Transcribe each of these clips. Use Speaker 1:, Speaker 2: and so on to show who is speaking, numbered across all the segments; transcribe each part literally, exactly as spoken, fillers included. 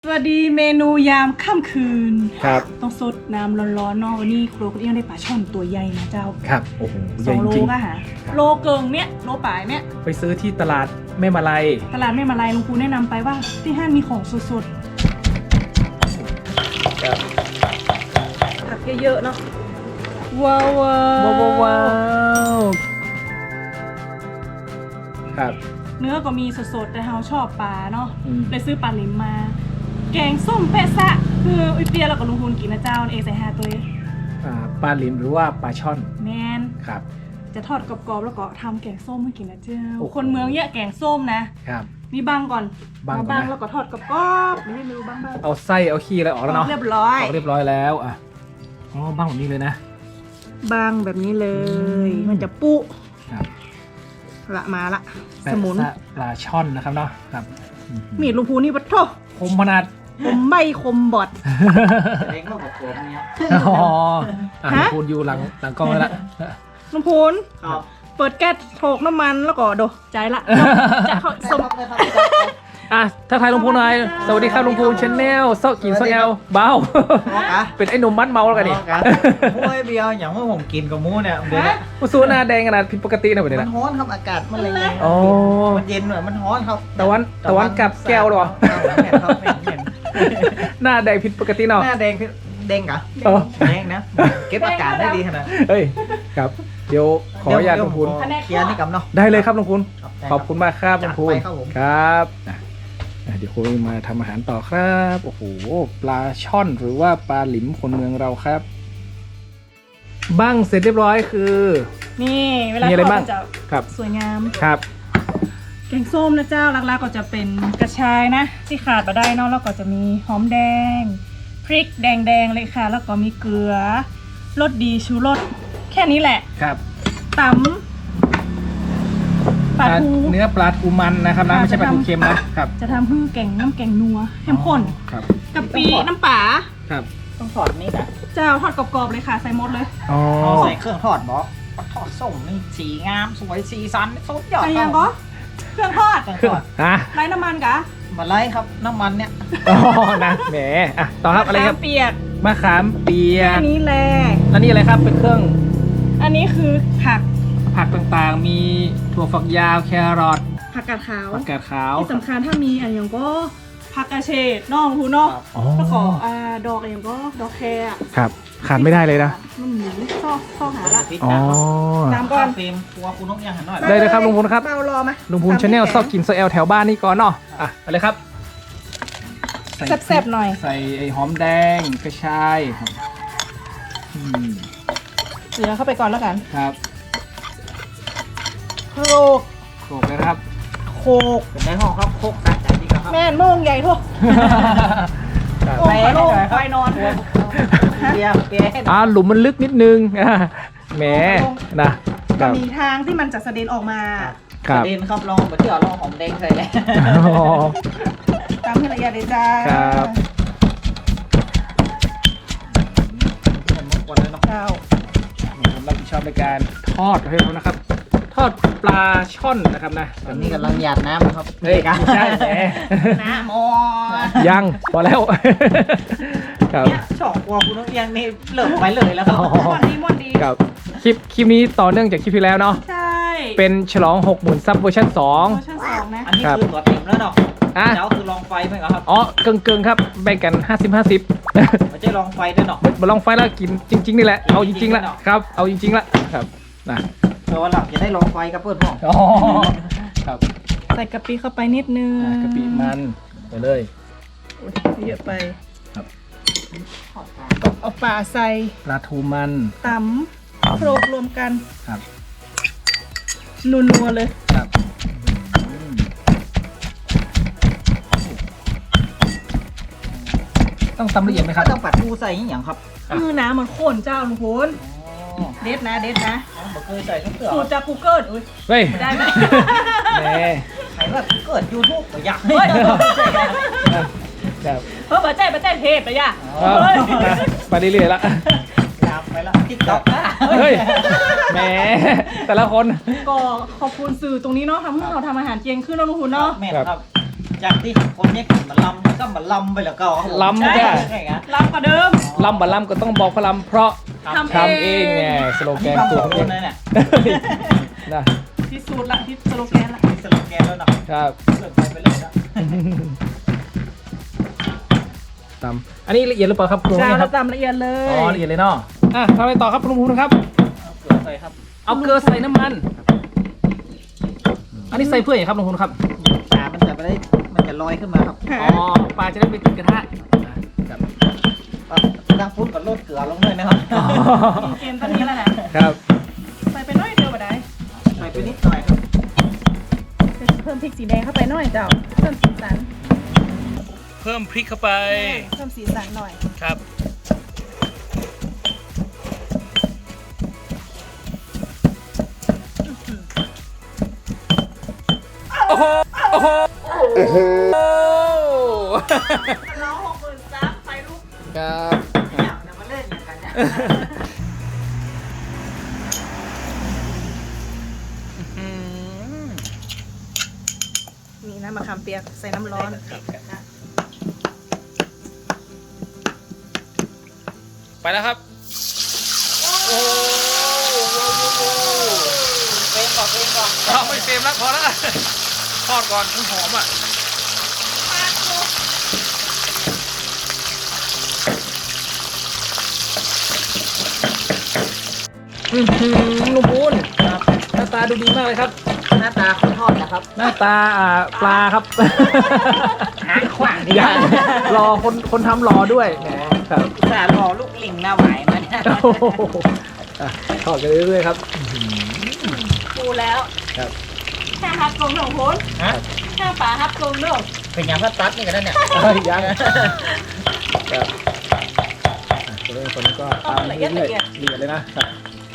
Speaker 1: สวัสดีเมนูยามค่ำคืน
Speaker 2: ครับ
Speaker 1: ต้องสดน้ำร้อนๆเนาะวันนี้ครัวคุณเอี้ยงได้ปลาช่อนตัวใหญ่นะเจ้า
Speaker 2: ครับโอ้โหให
Speaker 1: สอ
Speaker 2: ญ่
Speaker 1: งโล
Speaker 2: จริง
Speaker 1: ก็หาโลเกิงเนี้ยโลป่ายเนี้ย
Speaker 2: ไปซื้อที่ตลาดแม่มาลัย
Speaker 1: ตลาดไม่มาลายลุงครูแนะนำไปว่าที่ห้างมีของสด
Speaker 2: ครับ
Speaker 1: ๆผักเยอะๆเนาะว้าวว้า
Speaker 2: ว้าวว้าวครับ
Speaker 1: เนื้อก็มีสดๆแต่เฮาชอบปลาเนาะ
Speaker 2: อืม
Speaker 1: เลยซื้อปลาลิมมา แกงส้มเปะซะคืออุยเปียแล้วก็ลุงคูนกินนะเจ้าเองใส่ฮาตัวเอง
Speaker 2: อ่าปลาลิมหรือว่าปลาช่อน
Speaker 1: แมน
Speaker 2: ครับ
Speaker 1: จะทอดกรอบๆแล้วก็ทำแกงส้มให้กินนะเจ้า
Speaker 2: โอ้โห
Speaker 1: คนเมืองเยอะแกงส้มนะครับ นี่บังก่อน
Speaker 2: บังก่อนนะ
Speaker 1: มาบังแล้วก็ทอดกรอบๆไม่ให้ไม่รู้บังบ้าง
Speaker 2: เอาไส้เอาขี้อะไรออกแล้วเนาะ
Speaker 1: เรียบร้อย
Speaker 2: ออกเรียบร้อยแล้วอ่ะอ๋อบ้างแบบนี้เลยนะ
Speaker 1: บังแบบนี้เลย
Speaker 2: อืม
Speaker 1: มันจะปุ๊
Speaker 2: ครับ
Speaker 1: ละมาละ
Speaker 2: แปะ
Speaker 1: สมุน
Speaker 2: ซะปลาช่อนนะครับเนาะครับอื
Speaker 1: มีดลุงพูนี่ปะโถ
Speaker 2: คมขนาด
Speaker 1: คมใบคมบอด
Speaker 3: เล้งก็บอกผมเนี้ย
Speaker 2: อ๋ออ่ะ
Speaker 1: ฮะ
Speaker 2: คุณอยู่หลังหลังกล้องแล้วละ
Speaker 1: ลุงพูน
Speaker 3: ครับ
Speaker 1: เปิดแก๊สโถกน้ำมันแล้วก็โดใจละจะเข้าสม
Speaker 2: อ่ะถ้าใครลุงพูนหน่อยสวัสดีครับลุงพูนชาแนลเซาะกินเซาะแอลเบา
Speaker 3: อะ
Speaker 2: เป็นไอ้หนุ่มมัดเมาแล้วกันนี่
Speaker 3: มูไอเบียร์อย่างว่าผมกินกับมูเนี่ยเดี๋ยว
Speaker 1: ฮะ
Speaker 2: ผู้สูหน้าแดงขนาดผิดปกตินะแบบนี้
Speaker 3: มัน
Speaker 2: นะ
Speaker 3: ร้อนครับอากาศมันอะไรเงี้ย
Speaker 2: อ๋อ
Speaker 3: มันเย็นหน่อยมันร้อนครับ
Speaker 2: ตะวันตะวันกลับแก้วเหรอ
Speaker 3: เห็นครับเห็นเห็น
Speaker 2: หน้าแดงผิดปกติเนาะ
Speaker 3: หน้าแดงแดงกะ
Speaker 2: เออ
Speaker 3: แดงนะ เก็บอากาศได้ดีขนาด
Speaker 2: เฮ้ยครับ เดี๋ยวขออนุญาตลุงพูน
Speaker 3: เคลียร์นี่กับเนาะ
Speaker 2: ได้เลยครับลุงพูน
Speaker 3: ครับ
Speaker 2: ขอบคุณมากครับลุงพูน
Speaker 3: จัดไปครับผม
Speaker 2: ครับอ่ะอ่ะเดี๋ยวคุณมาทำอาหารต่อครับโอ้โหปลาช่อนหรือว่าปลาหลิมคนเมืองเราครับบ้างเสร็จเรียบร้อยคือ
Speaker 1: นี่เวลา
Speaker 2: มีอะไร
Speaker 1: ทอด
Speaker 2: บ้าง
Speaker 1: มันจะ
Speaker 2: ครับ
Speaker 1: สวยงาม
Speaker 2: ครับ
Speaker 1: แกงส้มนะเจ้าหลักๆก็จะเป็นกระชายนะ ที่ขาดมาได้เนอกแล้วก็จะมีหอมแดง พริกแดงๆเลยค่ะ แล้วก็มีเกลือรสดีชูรสแค่นี้แหละ
Speaker 2: ครับ
Speaker 1: ตำปลาทู
Speaker 2: เนื้อปลาทูมันนะครับนะ
Speaker 1: ค่ะ
Speaker 2: ไม่ใช่ปลาทู
Speaker 1: จะทำ
Speaker 2: เค็มนะครับ
Speaker 1: จะทำให้แกงน้ำแกงนัวเข้มข้น
Speaker 2: ครับ
Speaker 1: กะปิน้ำป่า
Speaker 2: ครับ
Speaker 3: ต้องถอดนี่นะ
Speaker 1: เจ้าทอดกรอบๆเลยค่ะ ใส่หมดเลย
Speaker 2: อ๋อ
Speaker 3: เอาใส่เครื่องทอดบอกทอดส้มนี่สีงามสวยสีสันสุดยอด
Speaker 1: ใส่ยังก็เครื่องทอด
Speaker 3: เครื่องทอด
Speaker 2: อ่ะ
Speaker 1: ไร้น้ำมันกะ
Speaker 3: มาไล่ครับน้ำมันเนี่ย
Speaker 2: อ๋อนะแหมอ่ะต่อครับอะไรครับ
Speaker 1: มขามเปียก
Speaker 2: มะขามเปีย
Speaker 1: แค่
Speaker 2: ก
Speaker 1: นี้แหละ
Speaker 2: แล้วนี่อะไรครับเป็นเครื่อง
Speaker 1: อันนี้คือผัก
Speaker 2: ผักต่างๆ มีถั่วฝักยาวแครอท
Speaker 1: ผักกาดขาว
Speaker 2: ผักกาดขาว
Speaker 1: ที่สำคัญถ้ามีอันอย่างก็ผักกระเฉดนอกหูนอก
Speaker 2: อ๋อ
Speaker 1: แล้วก็อ่าดอกอย่างก็ดอกแคร์อะ
Speaker 2: ครับขาดไม่ได้เลยนะ
Speaker 1: มันหมูซอกซอกหาละ
Speaker 2: อ๋อ
Speaker 1: ตามก่อน
Speaker 3: เฟรมครัวคุณนกยังหันหน่อย
Speaker 2: ได้เลยครับลุงพูนครับ
Speaker 1: เบารอไหม
Speaker 2: ลุงพูนชาแนลซอกกินโซแอลแถวบ้านนี่ก่อนเนาะอ่ะไปเลยครับใส่
Speaker 1: แซ่บๆหน่อย
Speaker 2: ใส่ไอ้หอมแดงกระชายครับอืม
Speaker 1: เสือเข้าไปก่อนแล้วกัน
Speaker 2: ครับ
Speaker 1: โคก
Speaker 2: โขลกเลยนะครับ
Speaker 1: โคก
Speaker 3: เป็นในห้องครับโคกตัดใจดีครับ
Speaker 1: แม่นโม่งใหญ่ทั่ว
Speaker 2: ครับ
Speaker 1: โอ้ยโล่งไฟนอน
Speaker 3: เปียเปีย
Speaker 2: อ่าหลุมมันลึกนิดนึงอ่าแหมนะค
Speaker 1: มั
Speaker 2: รั
Speaker 1: น
Speaker 2: บ
Speaker 1: มีทางที่มันจะเสด็จออกมา
Speaker 2: ครับ
Speaker 3: เด่นครับลองไปเที่ยวลองหอมแดงเคยเลย
Speaker 2: อ๋อ
Speaker 1: ตามที่ละเอียดเลยจ้า
Speaker 2: ครับ
Speaker 3: ผมมากวนเลยเนาะ
Speaker 1: เจ้า
Speaker 2: ผมรับผิดชอบในการทอดให้เขานะครับ ทอดปลาช่อนนะครับนะ
Speaker 3: ตอนนี้กำลังหยาดน้ำนะครับ
Speaker 2: เฮ้ยไม่ใช่แหม
Speaker 1: นะโม
Speaker 2: ยังพอแล้ว ครับ
Speaker 3: เนี่ยช่องครัวคุณนกยังนี่เลิกไปเลยแล้วครับ
Speaker 2: อ๋อ
Speaker 1: มอนดีมอนดี
Speaker 2: ครับคลิปคลิปนี้ต่อเนื่องจากคลิปที่แล้วเนาะ
Speaker 1: ใช่
Speaker 2: เป็นฉลองหกหมื่นซับเวอร์ชันสอง
Speaker 1: เวอร์ชันสองนะ
Speaker 3: อันนี้คือตัวเต็มแล้วเนาะ
Speaker 2: อ่ะ
Speaker 3: เจ้าคือลองไฟไหมครับ
Speaker 2: อ๋อเกิงเกิงๆครับแบ่งกันห้าสิบห้าสิบ
Speaker 3: ไม่ใช่ลองไฟด้วยเนาะ
Speaker 2: มาลองไฟแล้วกินจริง ๆ นี่แหละเอาจริงๆละ
Speaker 3: จริงๆเนาะ
Speaker 2: ครับเอาจริงๆละครับนะ
Speaker 3: แต่ว่าหลับจะได้ลองไฟกับเพื่อนพ่อ
Speaker 2: อ๋อครับ
Speaker 1: ใส่กะปิเข้าไปนิดนึง
Speaker 2: อ่ะกะปิมันไปเลย
Speaker 1: อุ๊ยเยอะไป
Speaker 2: ครับ
Speaker 1: เอาปลาใส่
Speaker 2: ปลาทูมัน
Speaker 1: ตำโครกรวมกัน
Speaker 2: ครับ
Speaker 1: นัวๆเลย
Speaker 2: ครับอืมต้องตำละเอียดไหมครับ
Speaker 3: ต้องปัดทูใส่อย่างครับ
Speaker 2: อ่ะ
Speaker 1: มือน้ำมันข้นเจ้าลุงพล
Speaker 3: อ๋อ
Speaker 1: เด็ดนะเด็ดนะ
Speaker 3: ผมเคยใส่ทั้งเสือ
Speaker 1: สูตรจากกูเกิลอุ้ย
Speaker 2: เฮ้ย
Speaker 1: ได้ไหม
Speaker 2: แหม
Speaker 3: ใส่แบบเกิดยูทูบอยาก
Speaker 1: เฮ้ย
Speaker 2: ครับ
Speaker 1: เพิ่มมาแจ้ประเทศเทพไปย่ะ
Speaker 2: เอา
Speaker 1: เฮ้ย
Speaker 2: มาไปเรื่อยๆละ
Speaker 3: อยากไปละทิกต็อกนะ
Speaker 2: เฮ้ยแหมแต่ละคน
Speaker 1: ก็ขอบคุณสื่อตรงนี้เนาะทำให้เราทำอาหารเจียงขึ้นเนาะลุงพลเนาะ
Speaker 3: แม่นครับจากที่คนเนี้ยกินมาลำก็มาลำไปแล้วก็
Speaker 2: ลำจ้ะ
Speaker 3: ใช่ไง
Speaker 1: รับกว่าเดิม
Speaker 2: ลำบะลำก็ต้องบอกพระลำเพราะ
Speaker 1: ทำ
Speaker 2: ทำเองไงสโลแกน
Speaker 3: ทำ
Speaker 2: ตั
Speaker 3: ส
Speaker 2: ว
Speaker 3: อง
Speaker 2: เอ
Speaker 3: ค
Speaker 2: ง
Speaker 3: นเลยเนี่ย
Speaker 2: นะ
Speaker 1: ที่สูตรละที่สโลแกนละ
Speaker 3: สโลแกนแล้วเนาะ
Speaker 2: ครับ
Speaker 3: เกิดไปไปเลยนะ
Speaker 2: ตำอันนี้ละเอียดหรือเปล่าครับคุณ
Speaker 1: จ้า
Speaker 2: ค
Speaker 1: เรา
Speaker 2: รับ
Speaker 1: ตำละเอียดเล
Speaker 2: อ๋อย ละเอียดเลยเนาะอ่ะทำอะไรต่อครับคุณภูมิครับ
Speaker 3: เกิดไปครับ
Speaker 2: เอาเกลือใส่น้ำมัน อันนี้ใส่เพื่ออย่างครับลุงคุณครับ
Speaker 3: ปลามันจะไปได้มันจะลอยขึ้นมาครับ
Speaker 2: อ๋อปลาจะได้ไปติดกระทะครับ
Speaker 3: ตั้งฟุ้นกับโลดเกลือลงเลยนะครับ
Speaker 1: เกมตอนนี้แล้วนะครับ ใส่ไปน้อยเดียวบ่ได้
Speaker 3: ใส่ไปนิดหน่อยครับ
Speaker 1: เพิ่มพริกสีแดงเข้าไปหน่อยเจ้าเพิ่มสีสัน
Speaker 2: เพิ่มพริกเข้าไป
Speaker 1: เพิ่มสีสันหน่อย
Speaker 2: ครับโอ้โหโอ้โหโอ้โห
Speaker 1: น้องหกหมื่นซับไปลูก
Speaker 2: ครับ
Speaker 3: เนี่ยเดี๋ยวมาเล่นอย่างกันเนี่ย
Speaker 1: นี่นะมะขามเปียกใส่น้ำร้อน
Speaker 2: ไปแล้วครับโอ้
Speaker 3: เองก่อนเองก่อน
Speaker 2: เราไม่เฟรมแล้วพอแล้วทอดก่อนมันหอมอ่ะอือหือลุงปูนครับหน้าตาดูดีมากเลยครับ
Speaker 3: หน้าตาคนทอดนะครับ
Speaker 2: หน้าตาอ่าปลาครับ
Speaker 3: หางขวางดี
Speaker 2: ยังรอคนคนทำรอด้วยแหมครับ
Speaker 3: สารอลูกลิงหน้าไหวมัน
Speaker 2: โอ้โหอ่ะทอดกันเรื่อยๆครับ
Speaker 1: ปูแล้ว
Speaker 2: ครับ
Speaker 1: แค่ฮับกลมหนึ่งพุน
Speaker 3: ฮะ
Speaker 1: แค่ปลาฮับกลมหนึ่ง
Speaker 3: เป็นอย่างพัดตัดนี่กันแล้วเนี่ย
Speaker 2: เอ้ยยังครับอ่ะตัวเล่นคนนี้ก็ตามเรื่อยๆละเอียดเลยนะครับ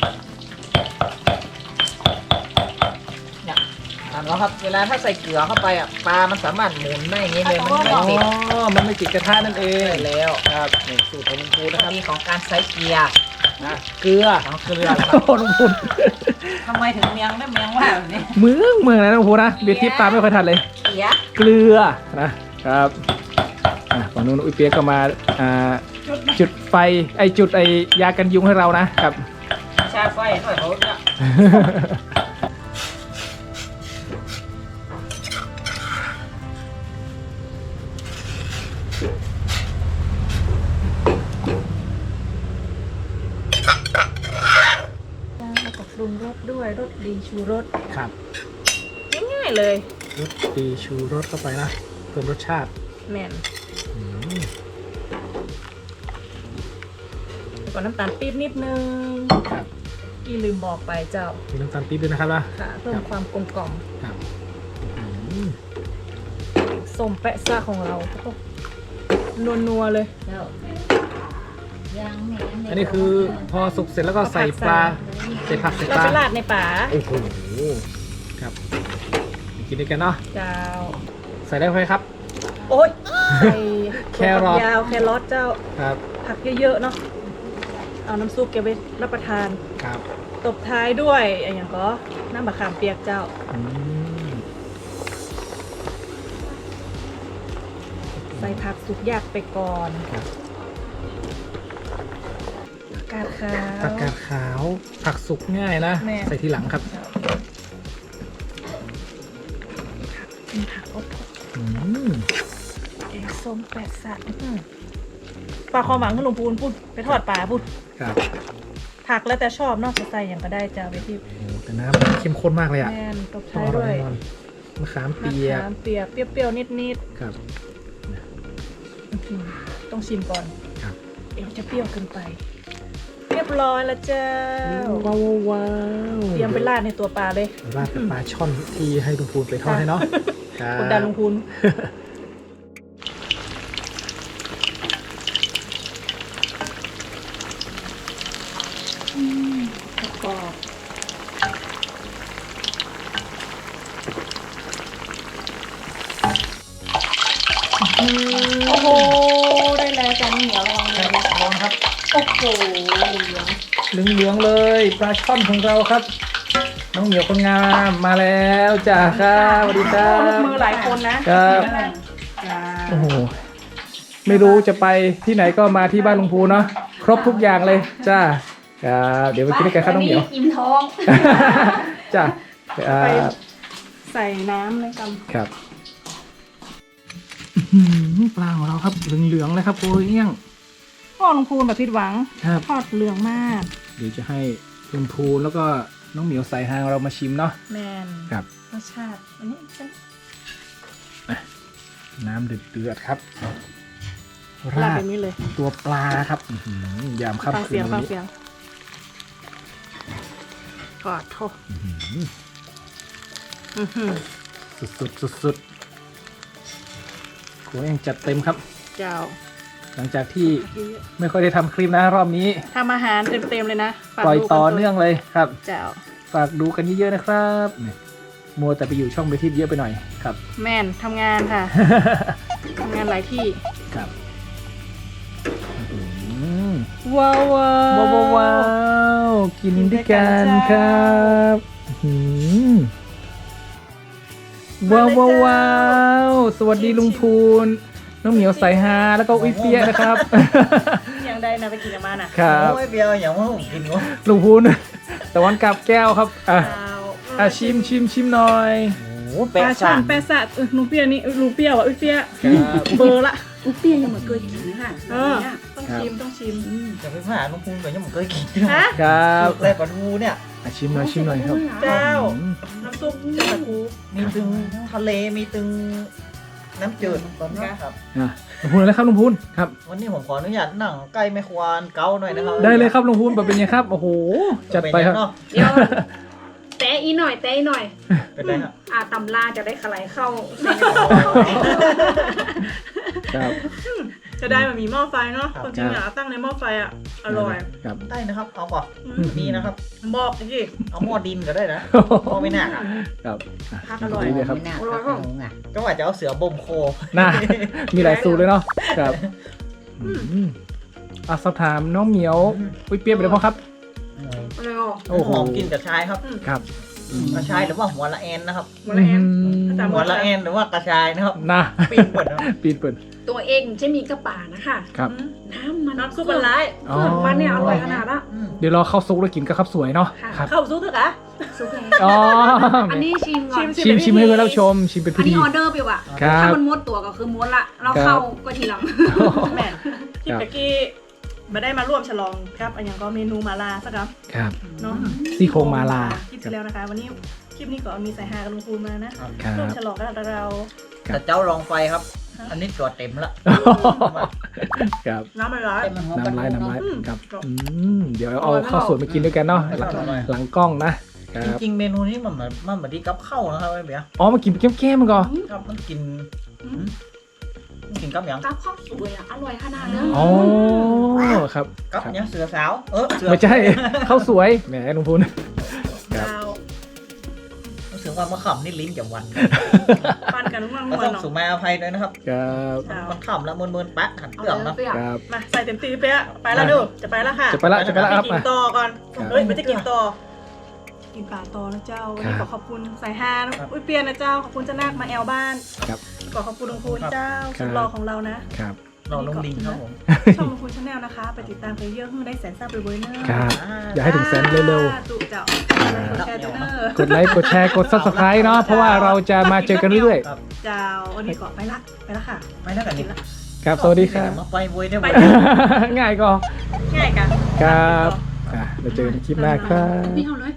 Speaker 3: เนี่ยถามแล้วครับ เวลาถ้าใส่เกลือเข้าไปอ่ะปลามันสามารถหมุนได้อย่างนี้เลยมัน
Speaker 2: อ๋
Speaker 3: ไม่
Speaker 2: อ
Speaker 3: ติด
Speaker 2: มันไม่ติดกระทะนั่นเอง
Speaker 3: ได้แล้ว
Speaker 2: ครับนี่สูตรของลุงพูน
Speaker 3: นะ
Speaker 2: นะ
Speaker 3: ค
Speaker 2: ค
Speaker 3: รั
Speaker 2: รั
Speaker 3: บบ มีของการใส่เกียร์
Speaker 2: นะเกลือ
Speaker 3: ของเกลือครับ
Speaker 2: โอ้โหลุงพูน
Speaker 3: ทำไมถึงเมียงได้เมียงว่าแบบนี้
Speaker 2: เมืองเมืองนะลุงพูนนะเบียร์ทิพย์ตามไม่ค่อยทันเลย
Speaker 3: เกียร์
Speaker 2: เกลือนะครับอ่ะฝั่งนู้นอุ้ยเปียกก็มาอ่าจุดไฟไอจุดไอยากันยุงให้เรานะครับ
Speaker 3: ชาไฟหน่อยเขาเนี่ย
Speaker 1: แล้วก็ปรุงรสด้วยรสดีชูรส
Speaker 2: ครับ
Speaker 1: ง่ายๆเลย
Speaker 2: รสดีชูรสเข้าไปนะเพิ่มรสชาติ
Speaker 1: แม่น
Speaker 2: อืม
Speaker 1: แล้วก็น้ำตาลปี๊บนิดนึง
Speaker 2: ครับ
Speaker 1: อีลืมบอกไปเจ้า
Speaker 2: มีน้ำตาลปี๊บด้วยนะครับนะ
Speaker 1: ค่ะเพิ่มความกลมกล่อม
Speaker 2: ครับอืม
Speaker 1: ส้มแปะซ่าของเรานัวนัวๆเลย
Speaker 2: อันนี้คือพอสุกเสร็จแล้วก็ใส่ปลาใส่ผักใส่
Speaker 1: เรา
Speaker 2: ปลา
Speaker 1: ไปราดในป่า
Speaker 2: โอ้โหครับกินด้วยกันเนาะ
Speaker 1: เจ้า
Speaker 2: ใส่ได้ไหมครับ
Speaker 1: โอ้ยใส่
Speaker 2: แครอท
Speaker 1: ยาวแครอทเจ้า
Speaker 2: ครับ
Speaker 1: ผักเยอะๆเนาะเอาน้ำซุปเก็บไว้รับประทาน
Speaker 2: ครับ
Speaker 1: ตบท้ายด้วยอะไรอย่างก็น้ำมะขามเปียกเจ้า
Speaker 2: อืม
Speaker 1: ใส่ผักสุกยากไปก่อน
Speaker 2: ครับ
Speaker 1: ผักกาดขาว
Speaker 2: ผักกาดขาวผักสุกง่ายนะ
Speaker 1: แม่
Speaker 2: ใส่ทีหลังครับ
Speaker 1: เป็นผักอบ
Speaker 2: อืม
Speaker 1: แกงส้มแปดสัตว์อื้อปลาคอหมังขนมปูนพูดไปทอดปลาพูด
Speaker 2: ครับ
Speaker 1: ผักแล้วแต่ชอบเนอกจะใส่อย่างก็ได้จ้าไปที่
Speaker 2: โอ้โหแต่น้ำเข้มข้นมากเลยอ่ะ
Speaker 1: แม่นตบ
Speaker 2: ต้อง
Speaker 1: ท้าย
Speaker 2: อร่อ
Speaker 1: ด้วย ย
Speaker 2: แน่นอนมะขาม
Speaker 1: มะ
Speaker 2: เปียก
Speaker 1: ขามเปียกเปรี้ยวๆนิด
Speaker 2: ครับ
Speaker 1: ๆอื้อหือต้องชิมก่อน
Speaker 2: ครับ
Speaker 1: เดี๋ยวจะเปรี้ยวเกินไป เรียบร้อยแล้วเจ้า
Speaker 2: ว้าวว้าว
Speaker 1: เตรียมไปราดในตัวปลาเลย
Speaker 2: ราดกับปลาช่อนที่ให้ลุงพูนไปทอดให้เนาะครับ
Speaker 1: กดดันลงทุน กรอบโอ้โห ได้แล้วจานเหนียวลองเลย
Speaker 3: ลองครับ
Speaker 1: โอ้โห
Speaker 2: เหลืองๆเลยปลาช่อนของเราครับน้องเหมียวคนงามมาแล้วจ้าครับสวัสดีครั
Speaker 1: ลูก
Speaker 2: บ
Speaker 1: มือหลายคนนะครับ จ้า
Speaker 2: โอ้โหไม่รู้จะไปที่ไหนก็มาที่บ้านลุงพูเนาะครบทุกอย่างเลยจ้าครับเดี๋ยวไปกินด้วยกันครับน้องเหมียว
Speaker 4: อิ่มท้อง
Speaker 2: จ้าครั
Speaker 1: ไป
Speaker 2: บ
Speaker 1: ใส่น้ำเลยกัน
Speaker 2: ครับอื้อหือปลาของเราครับเหลืองๆเลยครับโอ้ยเอี้ยง
Speaker 1: พ่อลุงพูนแบบผิดหวัง
Speaker 2: ครับ
Speaker 1: ทอดเหลืองมาก
Speaker 2: เดี๋ยวจะให้ลุงพูแล้วก็น้องเหมียวสายฮางเรามาชิมเนาะ
Speaker 1: แมน
Speaker 2: ครับ
Speaker 1: รสชาติอันนี้เป็น
Speaker 2: น้ำเดือดๆครับ
Speaker 1: ลา
Speaker 2: รา
Speaker 1: ด
Speaker 2: ด
Speaker 1: แบบนี้เลย
Speaker 2: ตัวปลาครับอื้อหือยาม
Speaker 1: ฟัง
Speaker 2: ค่ำคื
Speaker 1: เสีย
Speaker 2: น
Speaker 1: ง
Speaker 2: วั
Speaker 1: ฟั
Speaker 2: น
Speaker 1: ง
Speaker 2: นี้
Speaker 1: เสียงกอดโทษ
Speaker 2: อื้อหือ
Speaker 1: อื้อหือ
Speaker 2: สุดๆสุดๆโอ้ยยังจัดเต็มครับ
Speaker 1: เจ้า
Speaker 2: หลังจากที่ไม่ค่อยได้ทำคลิปนะรอบนี้
Speaker 1: ทำอาหารเต็มๆเลยนะฝาก
Speaker 2: ปล่อย
Speaker 1: ดูกั
Speaker 2: ต่อเนื่องเลยครับ
Speaker 1: เจ้า
Speaker 2: ฝากดูกันเยอะๆนะครับนี่มัวแต่ไปอยู่ช่องไปทิพย์เยอะไปหน่อยครับ
Speaker 1: แม่นทำงานค่ะ ทำงานหลายที่
Speaker 2: ครับอื้อหือ
Speaker 1: ว้าวว้า
Speaker 2: ว้าวว้าวว้าวกินด้วยกันครับอื้อหือว้าวว้าวว้าวสวัสดีลุงพูนน้องเหมียวสายฮาแล้วก็อุ้ยเปียะนะครับ
Speaker 1: ยังได้นะไปกินกับมาน่ะ
Speaker 2: ครับ
Speaker 3: โอ้ยเบียร์อย่างว่าผมกินวะ
Speaker 2: ลุงพูนตะวันกับแก้วครับอ่ะ
Speaker 1: เจ้า
Speaker 2: อ่ะชิมชิมชิมหน่อย
Speaker 3: โอ้โห
Speaker 1: ปลา
Speaker 3: แปะ
Speaker 1: ช่อ
Speaker 3: สาน น
Speaker 1: แปะสะเออลุงเปียนี่เออลุงเปียว่ะอุ้ยเปีย
Speaker 2: ครับ
Speaker 1: เบอร์ละ
Speaker 4: อุ๊ยเปรี้ยวยังไม่เคยกินนะคะ
Speaker 1: เออต้องชิมต้องชิม
Speaker 3: จะไปผ่าน้องพุงแต่ยังไม่เคยกิน
Speaker 1: ฮะ
Speaker 2: ครับ
Speaker 3: แต่ปลาทูเนี่ย
Speaker 2: อ่ะชิมหน่อยชิมหน่อยครับ
Speaker 1: เจ้า
Speaker 2: อืม
Speaker 1: น้ำซุปเจ้าตะกู
Speaker 3: มีตึงทะเลมีตึงน้ำจืดตอนนี้ครับ
Speaker 2: อ่ะลุงพูนอะไรครับลุงพูนครับ
Speaker 3: วันนี้ผมขออนุญาตนั่งใกล้แม่ควานเกาหน่อยนะครับ
Speaker 2: ได้เลยครับลุงพูนแบบเป็นไงครับโอ้โหจัดไปครับ
Speaker 3: เนาะ
Speaker 4: เดี๋ยวแตะอีหน่อยแตะอีหน่อย
Speaker 3: เป็นไรครับ
Speaker 4: อ่าตำลาจะได้ขลายเข้า
Speaker 2: ครับ
Speaker 1: จะได้มันมีหม้อไฟเนาะความจริงอ่ะตั้งในหม้อไฟอ่ะอร่อย
Speaker 2: ครับ
Speaker 3: ได้นะครับ เอาป่ะ
Speaker 1: อืม
Speaker 3: มีนะครับ
Speaker 1: บอกดิ
Speaker 3: เอาหม้อดินก็ได้นะหม้อไม่หนักอ่ะ
Speaker 2: ครับอ่ะ
Speaker 1: พักอร่อย
Speaker 2: ดีเลยครับ
Speaker 4: อร่อยป่ะ
Speaker 3: ก็ว่าจะเอาเสือบ่มโค
Speaker 2: น่ามีหลายสูตรเลยเนาะครับอืมอ่ะสอบถามน้องเหมียวอุ้ยเปียกไปเลยพ่อครับ
Speaker 4: อร่อยอ่ะ
Speaker 2: โอ้โห
Speaker 3: หอมกินกับชายครับ
Speaker 2: ครับ
Speaker 3: กระชายหรือว่าหัวละแอนนะครับ
Speaker 1: หัวละแอน
Speaker 2: อืม
Speaker 3: หัวละแอนหรือว่ากระชายนะครับ
Speaker 2: นะ
Speaker 3: ปีนเปิดนะครับ
Speaker 2: ปีนเปิด
Speaker 4: ตัวเองใช่มีกระป๋านะคะ
Speaker 2: ครับ
Speaker 4: น้ำมัน
Speaker 1: น้ำซุปมันร้าย
Speaker 4: เครื่องมันเนี่ยอร่อยขนาดละ
Speaker 3: อืม
Speaker 2: เดี๋ยวรอเข้าซุกแล้วกินก็ครับสวยเนาะ
Speaker 4: ค่ะ
Speaker 2: ครับ
Speaker 1: เข้าซุปเถอะคะ
Speaker 4: ซุปแห้ง
Speaker 2: อ๋อ
Speaker 4: อันนี้ชิมก่อน
Speaker 2: ชิมชิมให้เพื่อนเราชมชิมเป็น
Speaker 4: อั
Speaker 2: พิ
Speaker 4: นนี้
Speaker 2: ธี
Speaker 4: ออเดอร์ไปว่ะ
Speaker 2: ครับ
Speaker 4: ถ้ามันม้วนตัวก็คือม้วนละ เราเข้าก็ทีหลัง
Speaker 1: แม่คลิปตะกี้มาได้มาร่วมฉลองครับอันยังก็เมนูมาลาสักครับ
Speaker 2: ครับ
Speaker 1: เนาะ
Speaker 2: ซี่โครงมาลา
Speaker 1: คลิปที่แล้วนะคะ วันนี้คลิปนี้ก็มีสายฮากับลุงพูนมานะ
Speaker 2: ครั
Speaker 1: ร่วม
Speaker 2: บ
Speaker 1: ฉลองกับเรา
Speaker 2: ครับ
Speaker 3: แต่เจ้าลองไฟครับ อันนี้ตัวเต็มละ
Speaker 2: ครับ
Speaker 1: น้ำมันร้าย
Speaker 2: น้ำลายน้ำลาย
Speaker 1: อืม
Speaker 2: ครับ
Speaker 1: ครับ
Speaker 2: อืมเดี๋ยวเอาข้าวสวยมากินด้วยกันเนาะหลังหลังกล้องนะค
Speaker 3: จ
Speaker 2: รับ
Speaker 3: ริงๆเมนูนี้มันเหมือนมันเหมือนที่กับข้าวนะครับไอ้เบียร์
Speaker 2: อ๋อมากินเป็นแก้มๆมันก่อน
Speaker 3: ครับมันกินมันกินกับหยัง
Speaker 4: กับข้าวสวยอ่ะ อร่อยขนาดเลย
Speaker 2: อ๋อครับ
Speaker 3: กับ
Speaker 2: ครับ
Speaker 3: หยังเสือสาวเออเสือ
Speaker 2: ไม่ใช่ข้าวสวยแหมลุงพูน ครับ
Speaker 1: ดาว
Speaker 3: รู้สึกว่ามะขามนี่ลิ้นจะวัน
Speaker 1: ปันกันนุ่ม
Speaker 3: ก็
Speaker 1: ๆ
Speaker 3: ต้อง
Speaker 1: เนาะ
Speaker 3: สุมาอภัยด้วยนะครับ
Speaker 2: ครับ
Speaker 1: ครับ
Speaker 3: มันขำแล้วเมินๆแปะหัน
Speaker 4: เอา
Speaker 3: เกลือง
Speaker 4: เล
Speaker 3: นะ
Speaker 4: ยเปรี้ยว
Speaker 2: ครับ
Speaker 1: มาใส่เต็มตีเป๊ะไปแล้วดูจะไปแล้วค่ะ
Speaker 2: จะไปละจะไปละครับ
Speaker 1: กิน
Speaker 2: มา
Speaker 1: ต่อก่อน
Speaker 2: ครับ
Speaker 1: เฮ้ยไม่ได้กินต่อกินปลาต่อนะเจ้าวันนี้
Speaker 2: ครั
Speaker 1: ข
Speaker 2: บ
Speaker 1: อขอบคุณสายฮานะอุ้ยเปียนนะเจ้าขอบคุณเจ้านาคมาแอลบ้าน
Speaker 2: ครับ
Speaker 1: ขอขอบคุณลุงพูนเจ้า
Speaker 2: ครั
Speaker 1: สุ
Speaker 2: บ
Speaker 1: ดหล่อของเรานะ
Speaker 2: ครับ
Speaker 3: เราลงลิงครับผม
Speaker 1: ช่องลุงพูนชาแนลนะคะ ไปติดตามเพลเยอร์เพื่อได้แสนซับเบอร์เนอร์
Speaker 2: ครับอย่าให้ถึงแสนเร็ว
Speaker 1: ๆตุเจ้าแชร์เนอร์
Speaker 2: ๆกดไลค์กดแชร์กด ซับสไครบ์ เนาะเพราะว่าเราจะมาเจอกันเรื่อย
Speaker 3: ครับ
Speaker 1: เจ้าวันนี้ก็ไปละไปละค่ะ
Speaker 3: ไม่น่ากันนี่
Speaker 2: ๆครับสวัสดีครับ
Speaker 3: มาไปบวยได้ไหม
Speaker 1: ไป
Speaker 2: ง่ายก็
Speaker 1: ง่ายกัน
Speaker 2: ครับอ่ะเราเจอกันในคลิปหน้าครับ
Speaker 4: นี่เอาเลย